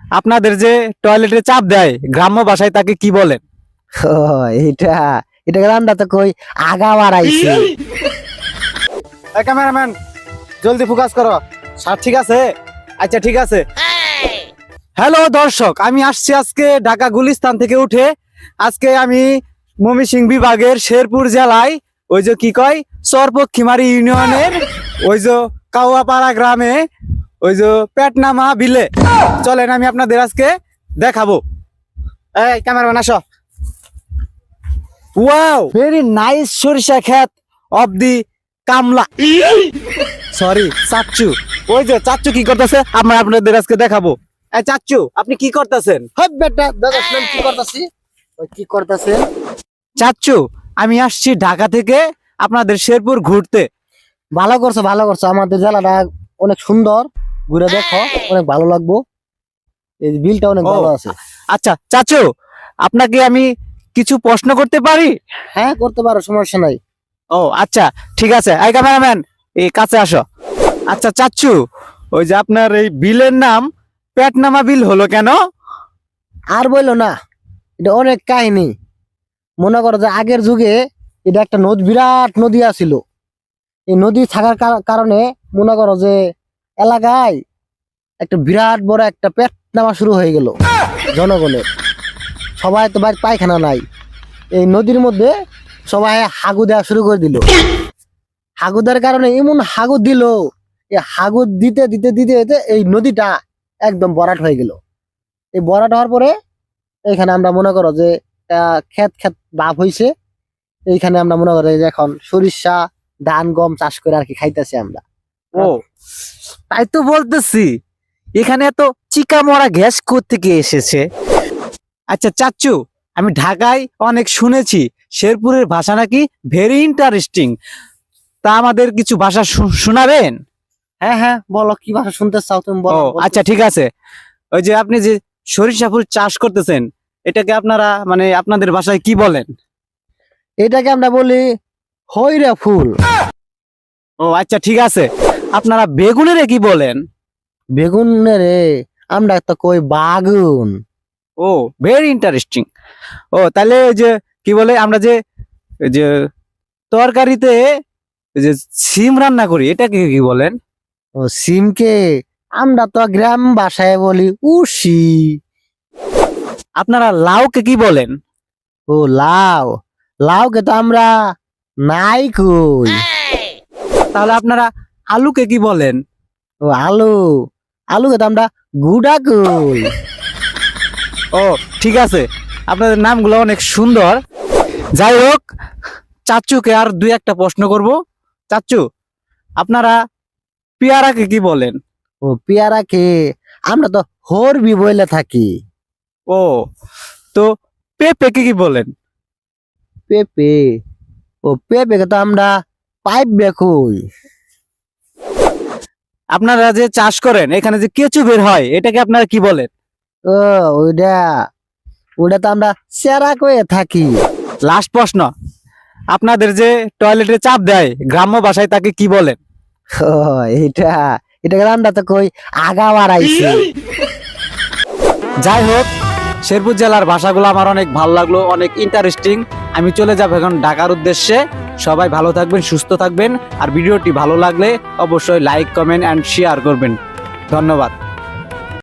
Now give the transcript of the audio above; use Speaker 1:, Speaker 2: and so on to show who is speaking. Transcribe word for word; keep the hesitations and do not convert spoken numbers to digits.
Speaker 1: আপনাদের যে টয়লেটে চাপ দেয় গ্রাম্য ভাষায় তাকে কি বলেন?
Speaker 2: ও এটা এটা আমরা তো কই আগা বাড়াইছি।
Speaker 1: এই ক্যামেরাম্যান জলদি ফোকাস করো। স্যার ঠিক আছে? আচ্ছা ঠিক আছে। হ্যালো দর্শক, আমি আসছি আজকে ঢাকা গুলিস্তান থেকে উঠে। আজকে আমি ময়মনসিংহ বিভাগের শেরপুর জেলায় ওই যে কি কয় চরপক্ষিমারি ইউনিয়নের ওই যে কাউয়াপাড়া গ্রামে ওই যে পেটনামা বিলে। চলেন আমি আপনাদের আজকে দেখাবো। এই ক্যামেরাম্যান আসো। ওয়াও, ভেরি নাইস সরিষা ক্ষেত অফ দি কামলা, সরি চাচ্চু। ওই যে চাচ্চু কি করতেছে আমরা আপনাদের আজকে দেখাবো। এই চাচ্চু আপনি কি করতেছেন?
Speaker 2: হ্যাঁ বেটা দাদা শুনুন কি করতাছি। ওই কি করতাছে?
Speaker 1: চাচ্চু আমি আসছি ঢাকা থেকে আপনাদের শেরপুর ঘুরতে।
Speaker 2: ভালো করছো ভালো করছো, আমাদের জেলাটা অনেক সুন্দর, ঘুরে দেখো অনেক ভালো লাগবো। এই বিলটা অনেক
Speaker 1: ও,
Speaker 2: ভালো আছে।
Speaker 1: আচ্ছা চাচু আপনাকে আমি কিছু প্রশ্ন করতে পারি?
Speaker 2: হ্যাঁ করতে পারো, সমস্যা নাই।
Speaker 1: ও আচ্ছা ঠিক আছে। এই ক্যামেরাম্যান এই কাছে আসো। আচ্ছা চাচ্চু, ওই যে আপনার এই বিলের নাম পেটনামা বিল হলো কেন?
Speaker 2: আর বললো না, এটা অনেক কাহিনী। মনে করো যে আগের যুগে এটা একটা নদী, বিরাট নদী আছিল। এই নদী থাকার কার- কারণে মনে করো যে এলাকায় একটা বিরাট বড় একটা পেট নামা শুরু হয়ে গেল জনগণের। সবাই তো বাড়ি পায়খানা নাই, এই নদীর মধ্যে সবাই হাগু দেওয়া শুরু করে দিল। হাগু দেওয়ার কারণে এমন হাগু দিল, এই হাগু দিতে দিতে দিতে দিতে এই নদীটা একদম বরাট হয়ে গেল। এই বরাট হওয়ার পরে এইখানে আমরা মনে করো যে আহ, ক্ষেত ক্ষেত লাভ হয়েছে। এইখানে আমরা মনে করো যে এখন সরিষা ধান গম চাষ করে আর কি খাইতেছি আমরা।
Speaker 1: ও তাই তো বলতেছি, এখানে এত চিকা মরা গ্যাস কোত্থেকে এসেছে? আচ্ছা চাচ্চু, আমি ঢাকায় অনেক শুনেছি শেরপুরের ভাষা নাকি ভেরি ইন্টারেস্টিং। তা আমাদের কিছু ভাষা শু- শোনাবেন?
Speaker 2: হ্যাঁ হ্যাঁ বলো, কি ভাষা শুনতে চাও তুমি
Speaker 1: ও
Speaker 2: বলো।
Speaker 1: আচ্ছা ঠিক আছে। ওই যে আপনি যে সরিষা ফুল চাষ করতেছেন এটাকে আপনারা মানে আপনাদের ভাষায় কি বলেন?
Speaker 2: এটাকে আমরা বলি হইরা ফুল।
Speaker 1: ও আচ্ছা ঠিক আছে। আপনারা বেগুনের কি বলেন?
Speaker 2: বেগুনের আমরা তো কই বাগুন।
Speaker 1: ও ভেরি ইন্টারেস্টিং। ও তাহলে ওই যে কি বলে আমরা যে ওই যে তরকারিতে ওই যে সিম রান্না করি এটাকে কি বলেন?
Speaker 2: ও সিমকে আমরা তো গ্রাম ভাষায় বলি উশি।
Speaker 1: আপনারা লাউকে কি বলেন?
Speaker 2: ও লাউ, লাউকে তো আমরা নাই কই।
Speaker 1: তাহলে আপনারা আলুকে কি বলেন?
Speaker 2: ও আলু, আলুকে তো আমরা গুড়া কই।
Speaker 1: ও ঠিক আছে, আপনাদের নামগুলো অনেক সুন্দর। যাই হোক, চাচ্চুকে আর দুই একটা প্রশ্ন করব। চাচ্চু আপনারা পেয়ারাকে কি বলেন?
Speaker 2: ও পেয়ারাকে আমরা তো হরবি বইলে থাকি।
Speaker 1: ও তো পেঁপেকে কি বলেন?
Speaker 2: পেঁপে, ও পেঁপেকে তো আমরা পাইপ বেকই।
Speaker 1: আপনারা যে চাষ করেন এখানে যে কেঁচু বের হয় এটাকে আপনারা কি বলেন?
Speaker 2: ও ওইটা, ওইটা তো আমরা সেরা কয়ে থাকি।
Speaker 1: লাস্ট প্রশ্ন, আপনাদের যে টয়লেটে চাপ দেয় গ্রাম্য ভাষায় তাকে কি বলেন?
Speaker 2: ও এইটা এটাকে আমরা তো কই আগা বাড়াইছি।
Speaker 1: যাই হোক, শেরপুর জেলার ভাষাগুলো আমার অনেক ভালো লাগলো, অনেক ইন্টারেস্টিং। আমি চলে যাব এখন ঢাকার উদ্দেশ্যে। সবাই ভালো থাকবেন, সুস্থ থাকবেন। আর ভিডিওটি ভালো লাগলে অবশ্যই লাইক, কমেন্ট অ্যান্ড শেয়ার করবেন। ধন্যবাদ।